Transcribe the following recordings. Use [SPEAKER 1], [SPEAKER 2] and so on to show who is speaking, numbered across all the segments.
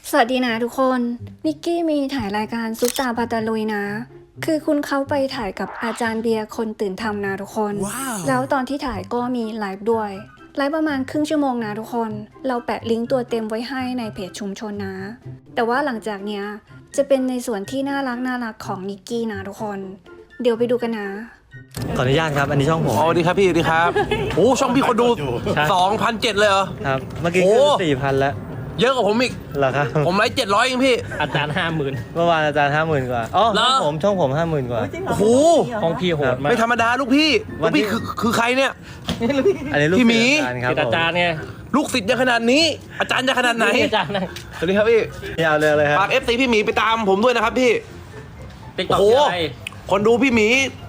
[SPEAKER 1] สวัสดีนะทุกคนนิกกี้มีถ่ายรายการซุปตาปาตาลุยนะคือคุณเขาไปถ่ายกับอาจารย์เบียร์คนตื่นทำนะทุกคน
[SPEAKER 2] wow.
[SPEAKER 1] แล้วตอนที่ถ่ายก็มีไลฟ์ด้วยไลฟ์ประมาณครึ่งชั่วโมงนะทุกคนเราแปะลิงก์ตัวเต็มไว้ให้ในเพจชุมชนนะแต่ว่าหลังจากเนี้ยจะเป็นในส่วนที่น่ารักของนิกกี้นะทุกคนเดี๋ยวไปดูกันนะ
[SPEAKER 3] ขออนุญาตครับอันนี้ช่องผม
[SPEAKER 2] สวัสดีครับพี่สวัสดีครับโอ้ช่องพี่คนดู 2,700 เลยเหรอ
[SPEAKER 3] ครับเมื่อกี้
[SPEAKER 2] โอ้
[SPEAKER 3] ก็4,000แล้ว
[SPEAKER 2] เยอะกว่าผมอีก
[SPEAKER 3] เหรอครับ
[SPEAKER 2] ผมไลฟ์700เองพี่
[SPEAKER 4] อาจารย์50,000
[SPEAKER 3] เมื่อวานอาจารย์50,000 กว่าอ๋อ
[SPEAKER 2] เหรอ
[SPEAKER 3] ช่องผม 50,000 กว่า
[SPEAKER 2] โอ้โห
[SPEAKER 4] ของพี่โหดมาก
[SPEAKER 2] ไม่ธรรมดาลูกพี่
[SPEAKER 3] วั
[SPEAKER 2] ลู
[SPEAKER 3] น
[SPEAKER 2] ก
[SPEAKER 3] ที่
[SPEAKER 2] พี่คือใครเนี่ย
[SPEAKER 3] อันนี้ลูก
[SPEAKER 2] พี่หมี
[SPEAKER 3] ศิษย์อาจารย์ครับ
[SPEAKER 4] เป็นอาจารย์ไง
[SPEAKER 2] ลูกศิษย์จะขนาดนี้ อาจารย์จะขนาดไหน
[SPEAKER 4] อาจารย์นะ
[SPEAKER 2] สวัสดีครับพี่
[SPEAKER 3] นี่เอาเลยครับ
[SPEAKER 2] ฝาก FC พี่หมีไปตามผมด้วยนะครับพี่
[SPEAKER 4] ติ๊กต็อก
[SPEAKER 2] โอ้โห
[SPEAKER 4] อะไร
[SPEAKER 2] คนดูพี่หมี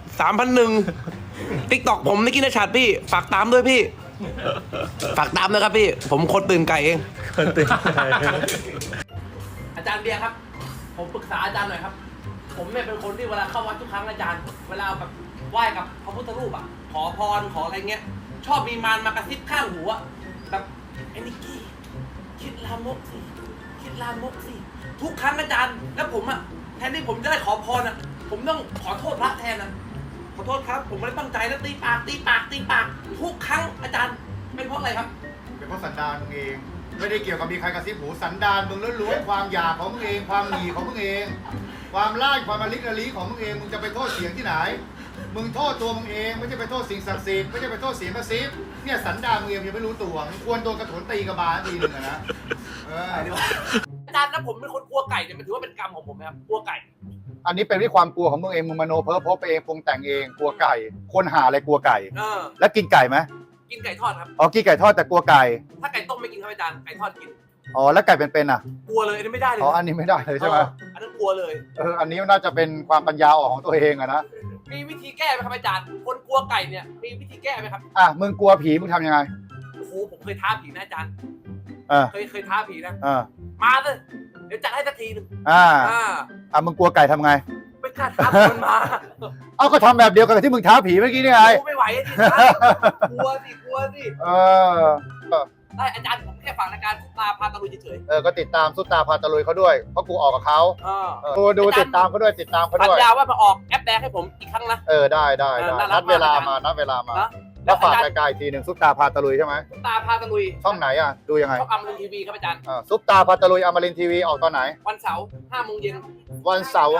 [SPEAKER 2] 3,100 ติ๊กต็อกผมนิกกี้นชัดพี่ฝากตามด้วยพี่ ฝากตามนะครับพี่ ผมคนตื่นไก่เอง
[SPEAKER 3] คนตื่นใจ
[SPEAKER 2] อาจารย์เบียร์ครับ ผมปรึกษาอาจารย์หน่อยครับ ผมเนี่ยเป็นคนที่เวลาเข้าวัดทุกครั้งอาจารย์ เวลาแบบไหว้กับพระพุทธรูปอ่ะ ขอพรขออะไรเงี้ย ชอบมีมารมากระซิบข้างหูอ่ะแบบไอ้นิกกี้คิดลามกสิคิดลามกสิทุกครั้งอาจารย์ แล้วผมอ่ะแทนที่ผมจะได้ขอพรอ่ะ ผมต้องขอโทษพระแทนนะขอโทษครับ ผมไม่ได้ตั้งใจนะตีปากทุกครั้งอาจารย์เป็นเพราะอะไรครับ
[SPEAKER 5] เป็นเพราะสันดานมึงเอง ไม่ได้เกี่ยวกับมีใครกระซิบหูสันดานมึงล้วนๆความอยากของมึงเองความหนีของมึงเอง ความล่าความอลิกอลีของมึงเองมึงจะไปโทษเสียงที่ไหน มึงโทษตัวมึงเองไม่ใช่ไปโทษสิ่งศักดิ์สิทธิ์ไม่ใช่ไปโทษเสียงกระซิบเนี่ยสันดานมึงเองยังไม่รู้ตัวมึงควรโดนกระโถนตีกระบาลทีหนึ่งอะนะ
[SPEAKER 2] อาจารย์นะผมเป็นคนกลัวไก่เนี่ยมันถือว่าเป็นกรรมของผมไหมครับกลัวไก่
[SPEAKER 5] อันนี้เป็นที่ความกลัวของมึงเองมึงมโนเพ้อพบไปเองปรุงแต่งเองกลัวไก่คนหาอะไรกลัวไก่ แล้วกินไก่ไหม
[SPEAKER 2] กินไก่ทอดครับ
[SPEAKER 5] อ๋อกินไก่ทอดแต่กลัวไก่
[SPEAKER 2] ถ้าไก่ต้มไม่กินครับอาจารย์ไก่ทอดกิน
[SPEAKER 5] อ๋อแล้วไก่เป็นๆอ่ะ
[SPEAKER 2] กลัวเลยอันนี้ไม่ได้เลย
[SPEAKER 5] อ๋ออันนี้ไม่ได้เลยใช่ไหม
[SPEAKER 2] อันนั้นกลัวเลย
[SPEAKER 5] อันนี้น่าจะเป็นความปัญญาอ่อนของตัวเองอะนะ
[SPEAKER 2] มีวิธีแก้ไหมครับอาจารย์คนกลัวไก่เนี่ยมีวิธีแก้ไหมครับ
[SPEAKER 5] อ่ะมึงกลัวผีมึงทำยังไง
[SPEAKER 2] โอ้โหผมเคยท้าผีนะอาจารย์
[SPEAKER 5] เออ
[SPEAKER 2] เคยท้าผีนะ
[SPEAKER 5] เออ
[SPEAKER 2] มาเลยเดี๋ยวจัดให้สักทีหนึง
[SPEAKER 5] มึงกลัวไก่ทำไง
[SPEAKER 2] ไม่กล้าท้ามันมา
[SPEAKER 5] เอาก็ทำแบบเดียวกันกับที่มึงท้าผีเมื่อกี้นี่ไง
[SPEAKER 2] โอ้ไม่ไหวอะดิกลัวสิ
[SPEAKER 5] เออ
[SPEAKER 2] ได้อาจารย์ผมแค่ฝากรายการทุกตาพาตะลุยเฉย
[SPEAKER 5] ก็ติดตามซุปตาพาตะลุยเขาด้วย เพราะกูออกกับเขา
[SPEAKER 2] ๆ
[SPEAKER 5] ดูติดตามเขาด้วยติดตามเขา
[SPEAKER 2] สัญ
[SPEAKER 5] ด้วย
[SPEAKER 2] ญาว่ามาออกแอปแดงให้ผมอีกครั้งนะ
[SPEAKER 5] ได้
[SPEAKER 2] น่ารัก
[SPEAKER 5] นัดเวลามาม
[SPEAKER 2] าก
[SPEAKER 5] นัดเวลามา
[SPEAKER 2] นะ
[SPEAKER 5] แล้วฝากรายการอีกทีหนึ่งซุปตาพาตะลุยใช่ไหม
[SPEAKER 2] ทุกตาพาตะลุย
[SPEAKER 5] ช่องไหนอ่ะดูยังไง
[SPEAKER 2] ช่องอมรินทร์ทีวีครับอาจารย์
[SPEAKER 5] ซุปตาพาตะลุยอมรินทร์ทีวีออกตอนไหน
[SPEAKER 2] วันเสาร์5 โมงเย็น
[SPEAKER 5] วันเสาร์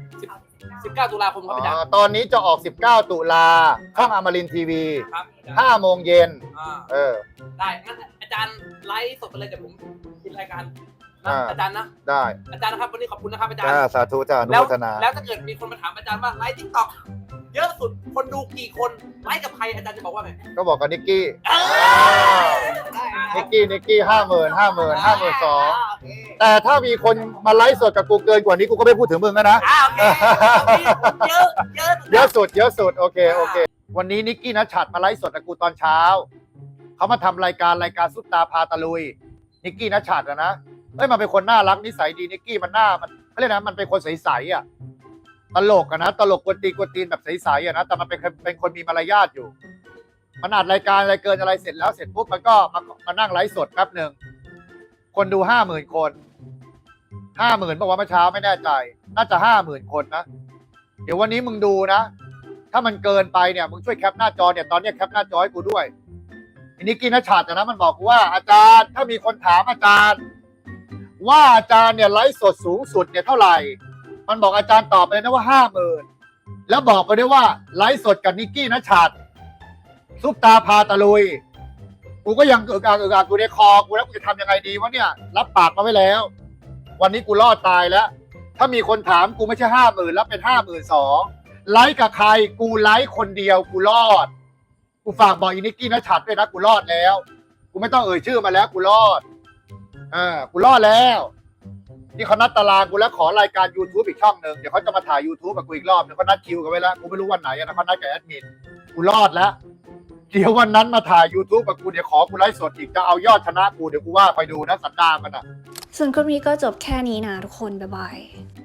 [SPEAKER 2] 19 ตุลาคมครับอาจารย์
[SPEAKER 5] ตอนนี้จะออก 19 ตุลาช่องอมรินทร์ทีวี
[SPEAKER 2] ครับ
[SPEAKER 5] 5 โมงเย็น
[SPEAKER 2] ได้งั้นอาจารย์ไลฟ์สดไปเลยเดี๋ยวผมปิดรายการนะ
[SPEAKER 5] อ่า
[SPEAKER 2] อาจารย์นะ
[SPEAKER 5] ได้
[SPEAKER 2] อาจารย์นะครับวันนี้ขอบคุณนะครับอาจารย์
[SPEAKER 5] สาธุจ้าอนุ
[SPEAKER 2] แล้ว
[SPEAKER 5] โมทนา
[SPEAKER 2] แล้วถ้าเกิดมีคนมาถามอาจารย์ว่าไลฟ์ทิกตอกเยอะสุดคนดูกี่คนไลฟ์กับใครอาจารย์จะบอกว่าไง
[SPEAKER 5] ก็บอกกับนิกกี้
[SPEAKER 2] ได้
[SPEAKER 5] นิกกี้52,000 แต่ถ้ามีคนมาไลฟ์สดกับกูเกินกว่านี้กูก็ไม่พูดถึงมึงแล้วนะ
[SPEAKER 2] โอเคเยอะ
[SPEAKER 5] เยอะสุดโอเควันนี้นิกกี้นัชชัดมาไลฟ์สดกับกูตอนเช้าเขามาทำรายการซุปตาพาตะลุยนิกกี้นัชชัดนะมันเป็นคนน่ารักนิสัยดีนิกกี้มันเขาเรียกนะมันเป็นคนใสๆอ่ะตลกนะตลกกวนตีนแบบใสๆอ่ะนะแต่มันเป็นคนมีมารยาทอยู่มันอัดรายการอะไรเกินอะไรเสร็จปุ๊บมันก็มานั่งไลฟ์สดแป๊บหนึ่งคนดู50,000 คน50,000บอกว่าเมื่อเช้าไม่แน่ใจน่าจะ50,000 คนนะเดี๋ยววันนี้มึงดูนะถ้ามันเกินไปเนี่ยมึงช่วยแคปหน้าจอเนี่ยตอนนี้แคปหน้าจอให้กูด้วยอันนี้กินนัชชัดนะมันบอกกูว่าอาจารย์ถ้ามีคนถามอาจารย์ว่าอาจารย์เนี่ยไลฟ์สดสูงสุดเนี่ยเท่าไหร่มันบอกอาจารย์ตอบไปเลยนะว่า50,000แล้วบอกไปด้วยว่าไลฟ์สดกับนิกกี้นัชชัดซุปตาพาตะลุยกูก็ยังอึกอักกูในคอกูแล้วกูจะทำยังไงดีวะเนี่ยรับปากมาไว้แล้ววันนี้กูรอดตายแล้วถ้ามีคนถามกูไม่ใช่50,000แล้วเป็น52,000ไลฟ์กับใครกูไลฟ์คนเดียวกูรอดกูฝากบอกอีนิกกี้นัชชัดด้วยนะกูรอดแล้วกูไม่ต้องเอ่ยชื่อมาแล้วกูรอดกูรอดแล้วนี่เขานัดตารางกูแล้วขอรายการ YouTube อีกช่องหนึ่งเดี๋ยวเขาจะมาถ่าย YouTube กับกูอีกรอบเดี๋ยวเขานัดคิวกันไว้แล้วกูไม่รู้วันไหนนะเขานัดกับแอดมินกูรอดแล้วเดี๋ยววันนั้นมาถ่าย YouTube กับกูเดี๋ยวขอกูไลฟ์สดอีกจะเอายอดชนะกูเดี๋ยวกูว่าไปดูนะสันดานมันอ่ะ
[SPEAKER 1] ส่วนคลิปนี้ก็จบแค่นี้นะทุกคนบ๊ายบาย